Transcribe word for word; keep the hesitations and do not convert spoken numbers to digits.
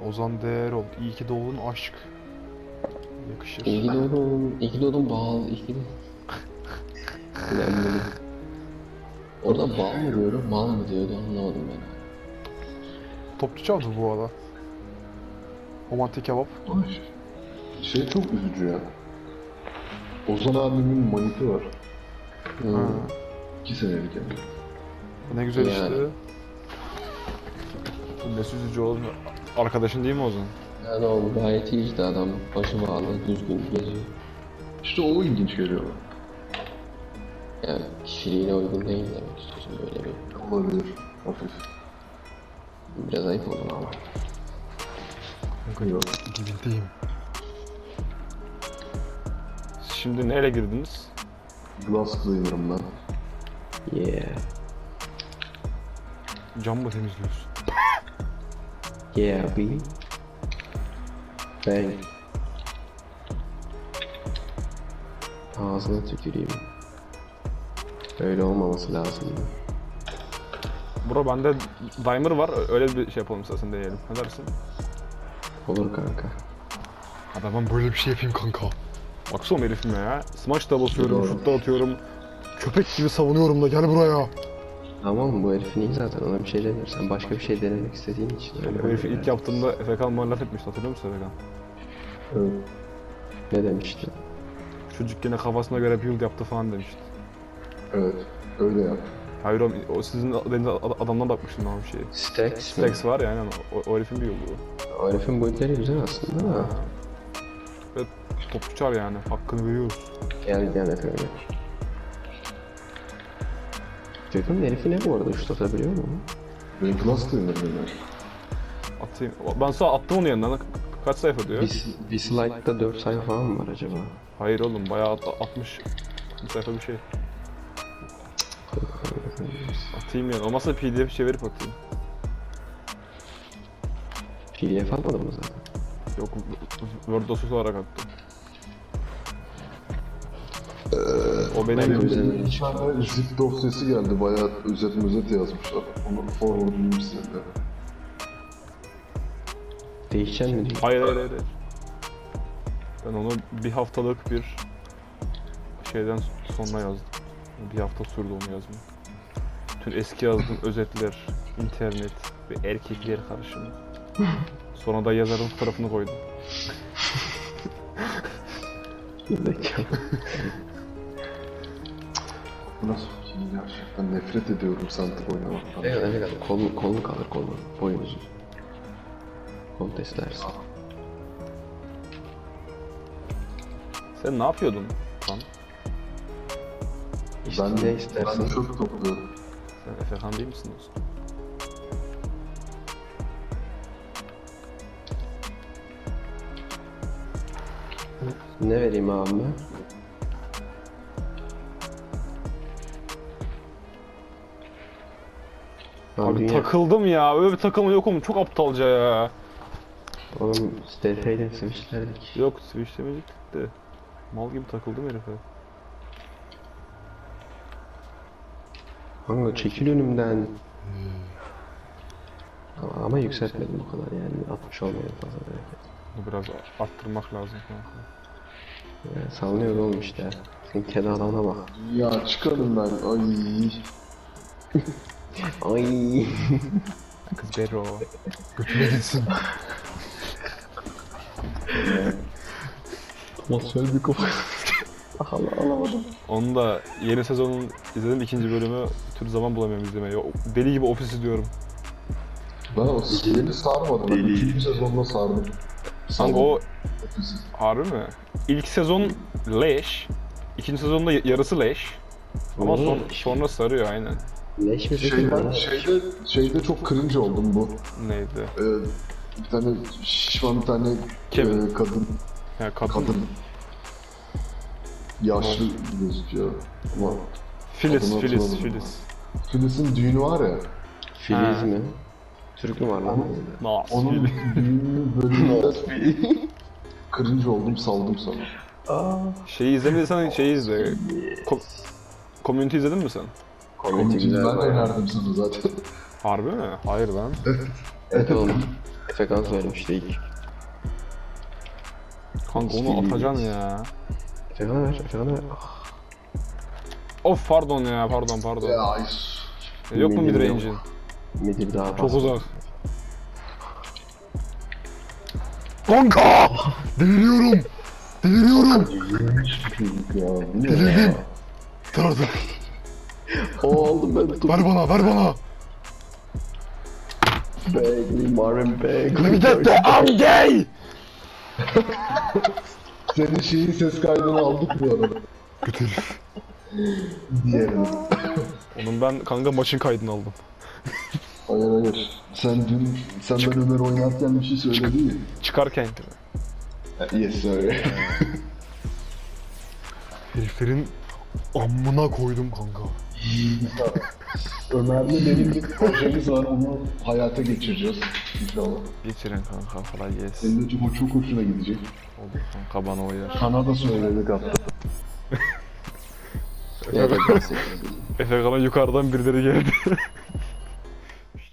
Ozan Değerol. İyi ki doğdun aşk. Yakışır. İyi ki doğdun, iyi ki doğdun bal, iyi ki doğdun. Önemli. Orada bal mı diyordu, mal mı diyordu anlamadım ben. Topçu çaldı bu arada. Romantik kebap. Ay, şey çok üzücü ya. Ozan abimin maniti var. Hmm. Ha. İki senelik yani. Ne güzel Yani. işte. Ne üzücü oğlum. Arkadaşın değil mi Ozan? Yani o gayet iyi işte adam, başı bağlı, düzgün geziyor. İşte o ilginç geliyor. Yani kişiliğine uygun değil demek istiyorsun böyle bir. Olabilir. Hafif. Biraz ayıp olur ama. Yok. Gidildiğim. Şimdi nereye girdiniz? Glass cleaner'ım ben. Yeah, Cam mı temizliyorsun? yeah be. Bang. Ağzına tüküreyim. Öyle olmaması lazımdı. Bro bende Dimer var. Öyle bir şey yapalım istersen deneyelim. Ne dersin? Olur kanka. Abi ben böyle bir şey yapayım kanka. Baksana herifime ya. Smash da basıyorum, Doğru. şut da atıyorum. Köpek gibi savunuyorum da gel buraya. Tamam bu herifin iyi zaten ona bir şey demiyor. Sen başka bir şey denemek istediğin için öyle O herifi oluyor ilk yani. yaptığımda Efekan bana laf etmişti, hatırlıyor musun Efekan? Evet. Ne demiştin? Çocuk gene kafasına göre build yaptı falan demişti. Evet. Öyle yap. Hayır oğlum, o sizin denize adamdan bakmıştım ben bir şeye. Stacks mi? Stacks var ya aynen, o, o herifin bir yolu. O herifin boyutları güzel aslında da. Ve topçu çar yani, hakkını veriyoruz. Gel gel Efe öyle. Gökhan'ın herifi ne bu arada? Şut atabiliyor mu? Benim glass cleaner'ım ben. Atayım. Ben sonra attım onu yanından. Kaç sayfa diyor? Bir, bir slide'da dört sayfa falan mı var acaba? Hayır oğlum, bayağı at- altmış sayfa bir şey. Atayım yani. Olmazsa P D F çevirip atayım. P D F almadın mı zaten? Yok, Word dosyası olarak attım. O Ben benim... güzel- Bir tane zip dosyası geldi. Bayağı özet özet yazmışlar. Onu forward'layayım size de. Değişecek mi? Hayır hayır hayır. Ben onu bir haftalık bir şeyden sonra yazdım. Bir hafta sürdü onu yazmam. Bütün eski yazdığım özetler, internet ve erkekler karışımı. Sonra da yazarın fotoğrafını koydum. Zekalı. Bu nasıl fikir? Gerçekten nefret ediyorum Santik oynamaktan. Ne kadar ne kadar kolun, kolun kalır kolun. Boyun uzun. Kol testlersin. Sen ne yapıyordun lan? İşte Ben, ne ben istersen. çöp topluyorum. Sen Efekan değil misin dostum? Ne vereyim abime? Lan Abi dünya... takıldım ya. Öyle bir takılma yok oğlum. Çok aptalca ya. Oğlum S F ile switchlerdik. Yok, switchlemeyecektik de. Mal gibi takıldım herife. Kanka çekil önümden. Ama, ama yükseltmedim bu kadar yani altmış olmayan fazla hareket. Bunu biraz arttırmak lazım kanka. Yani salınıyor oğlum işte. Sen kedi adamına bak. Ya çıkarım ben. Ay. Ay. Kız Bero. Götüme gitsin. Masal bir kafa. Allah alamadım. Onu da yeni sezonun izledim, ikinci bölümü bir türlü zaman bulamıyorum izlemeye. O- Deli gibi ofis izliyorum. Ben o yeni sarmadım. Ben ikinci sezonda sardım. Kanka o Ofisi. harbi mi? İlk sezon leş. İkinci sezonda y- yarısı leş. Ama son, sonra sarıyor aynen. Leş mi peki Şeyden, bu? şeyde, şeyde çok cringe oldum bu. Neydi? Ee, bir tane şişman bir tane Kevin. e, kadın, Ya kadın. kadın yaşlı gözüküyor. Ama Filiz, Adını Filiz, hatırlamadım. Filiz. Filiz'in düğünü var ya, Filiz Ha. mi? Türk mü var lan? Nasıl? onun düğünü bölümünde cringe oldum, saldım sana. Aa. Şeyi izlemediysen şeyi izle. Ko- Community izledin mi sen? Komedi Komikini güzel ben var. önerdim sana zaten. Harbi mi? Hayır lan. Evet oğlum. Efekan söylemişti ilk. Kanka onu atacaksın ya. Efekan'a ver, Efekan'a ver. Of pardon ya pardon pardon. Ya E, Yok mu Midi mid yok. range'in? Midi bir daha Çok bas. uzak. Kanka! Deliriyorum! Deliriyorum! ya bu ne ya? Dur dur. O aldım ben tuttum. Ver bana ver bana! Bagley, Marvin Bagley. Let me get the I'm gay! Senin şeyin ses kaydını aldık bu arada. Götür. Diğerini. Onun ben kanka maçın kaydını aldım. Hayır hayır. Sen dün, sen ben Ömer oynarken bir şey söyledin ya. Çıkarken. Yes sir. Heriflerin amına koydum kanka. Ömer'le benim bir projemiz var, onu hayata geçireceğiz inşallah. Geçirin kanka kolay gelsin. Senin de çok, çok hoşuna gidecek. Olur kanka bana uyar. Sana da söyledik hatta. Evet, bahsettim. Efe Kan'a yukarıdan birileri geldi.